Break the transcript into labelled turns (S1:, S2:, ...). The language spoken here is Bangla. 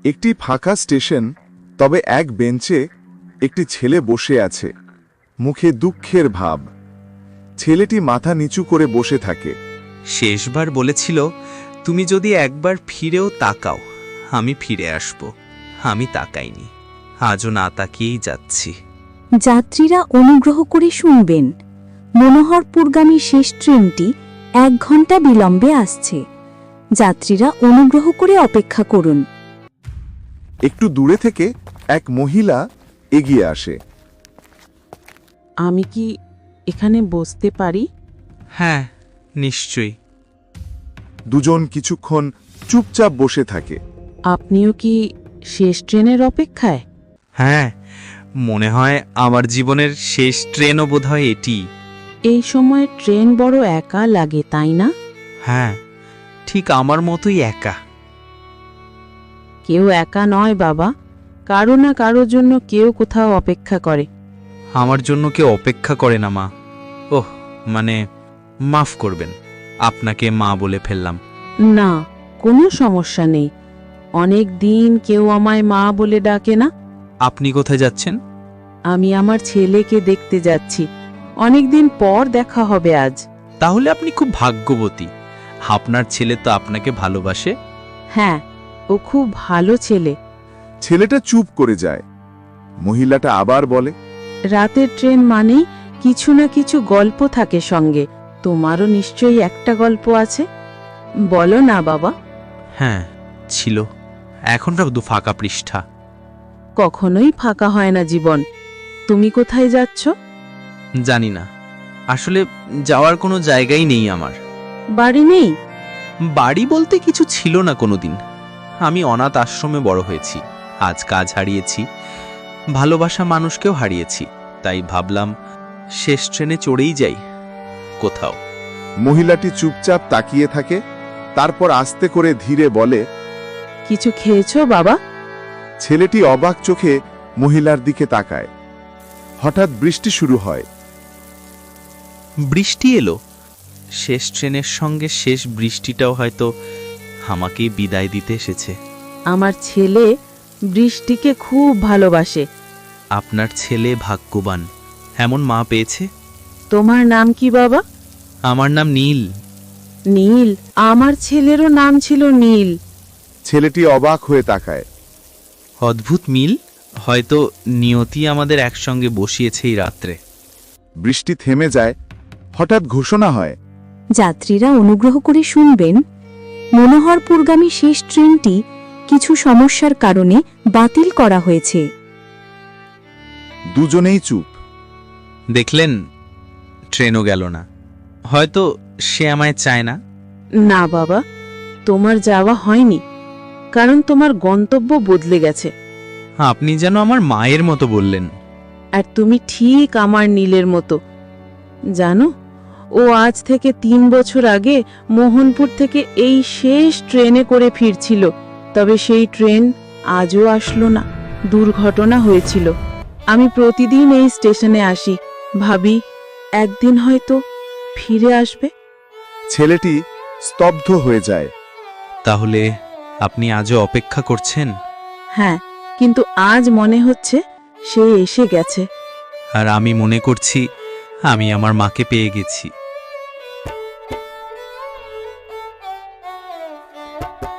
S1: একটি ফাঁকা স্টেশন, তবে এক বেঞ্চে একটি ছেলে বসে আছে, মুখে দুঃখের ভাব। ছেলেটি মাথা নিচু করে বসে থাকে।
S2: শেষবার বলেছিল, তুমি যদি একবার ফিরেও তাকাও আমি ফিরে আসব। আমি তাকাইনি, আজও না তাকিয়েই যাচ্ছি।
S3: যাত্রীরা অনুগ্রহ করে শুনবেন, মনোহরপুরগামী শেষ ট্রেনটি 1 ঘন্টা বিলম্বে আসছে। যাত্রীরা অনুগ্রহ করে অপেক্ষা করুন।
S1: একটু দূরে থেকে এক মহিলা এগিয়ে আসে।
S4: আমি কি এখানে বসতে পারি?
S2: হ্যাঁ, নিশ্চয়ই।
S1: দুজন কিছুক্ষণ চুপচাপ বসে থাকে।
S4: আপনিও কি শেষ ট্রেনের অপেক্ষায়?
S2: হ্যাঁ, মনে হয় আমার জীবনের শেষ ট্রেনও বোধহয় এটি।
S4: এই সময় ট্রেন বড় একা লাগে, তাই না?
S2: হ্যাঁ, ঠিক আমার মতোই একা।
S4: কেউ একা নয় বাবা, কারো না কারোর জন্য কেউ কোথাও অপেক্ষা করে।
S2: আমার জন্য কেউ অপেক্ষা করে না মা। ওহ, মানে মাফ করবেন, আপনাকে মা বলে ফেললাম।
S4: না, কোনো সমস্যা নেই। অনেক দিন কেউ আমায় মা বলে ডাকে না।
S2: আপনি কোথায় যাচ্ছেন?
S4: আমি আমার ছেলেকে দেখতে যাচ্ছি। অনেক দিন পর দেখা হবে আজ।
S2: তাহলে আপনি খুব ভাগ্যবতী। আপনার ছেলে তো আপনাকে ভালোবাসে।
S4: হ্যাঁ, ও খুব ভালো ছেলে।
S1: ছেলেটা চুপ করে যায়। মহিলাটা আবার বলে,
S4: রাতের ট্রেন মানেই কিছু না কিছু গল্প থাকে সঙ্গে। তোমারও নিশ্চয়ই একটা গল্প আছে, বলো না বাবা।
S2: হ্যাঁ, ছিল। এখন শুধু ফাঁকা পৃষ্ঠা।
S4: কখনোই ফাঁকা হয় না জীবন। তুমি কোথায় যাচ্ছ?
S2: জানি না, আসলে যাওয়ার কোনো জায়গাই নেই আমার।
S4: বাড়ি নেই?
S2: বাড়ি বলতে কিছু ছিল না কোনোদিন। আমি অনাথ আশ্রমে বড় হয়েছি, আজ কাজ হারিয়েছি, ভালোবাসা মানুষকেও হারিয়েছি। তাই ভাবলাম শেষ ট্রেনে চড়েই যাই কোথাও।
S1: মহিলাটি চুপচাপ তাকিয়ে থাকে, তারপর আস্তে করে ধীরে বলে,
S4: কিছু খেয়েছো বাবা?
S1: ছেলেটি অবাক চোখে মহিলার দিকে তাকায়। হঠাৎ বৃষ্টি শুরু হয়।
S2: বৃষ্টি এলো। শেষ ট্রেনের সঙ্গে শেষ বৃষ্টিটাও হয়তো আমাকেই বিদায় দিতে এসেছে।
S4: আমার ছেলে বৃষ্টিকে খুব ভালোবাসে।
S2: আপনার ছেলে ভাগ্যবান, এমন মা পেয়েছে।
S4: তোমার নাম কি বাবা?
S2: আমার নাম নীল।
S4: নীল? আমার ছেলেরও নাম ছিল নীল।
S1: ছেলেটি অবাক হয়ে তাকায়।
S2: অদ্ভুত মিল, হয়তো নিয়তি আমাদের একসঙ্গে বসিয়েছে এই রাত্রে।
S1: বৃষ্টি থেমে যায়। হঠাৎ ঘোষণা হয়,
S3: যাত্রীরা অনুগ্রহ করে শুনবেন, মনোহরপুরগামী শেষ ট্রেনটি কিছু সমস্যার কারণে বাতিল করা হয়েছে।
S1: দুজনেই চুপ।
S2: দেখলেন, ট্রেনও গেল না। হয়তো সে আমায় চায় না।
S4: না বাবা, তোমার যাওয়া হয়নি, কারণ তোমার গন্তব্য বদলে গেছে।
S2: আপনি যেন আমার মায়ের মতো বললেন।
S4: আর তুমি ঠিক আমার নীলের মতো। জানো, ও আজ থেকে 3 বছর আগে মোহনপুর থেকে এই শেষ ট্রেনে করে ফিরছিল। তবে সেই ট্রেন আজও আসলো না। দুর্ঘটনা হয়েছিল। আমি প্রতিদিন এই স্টেশনে আসি, ভাবি একদিন হয়তো ফিরে আসবে।
S1: ছেলেটি স্তব্ধ হয়ে যায়।
S2: তাহলে আপনি আজও অপেক্ষা করছেন?
S4: হ্যাঁ, কিন্তু আজ মনে হচ্ছে সে এসে গেছে।
S2: আর আমি মনে করছি আমি আমার মাকে পেয়ে গেছি।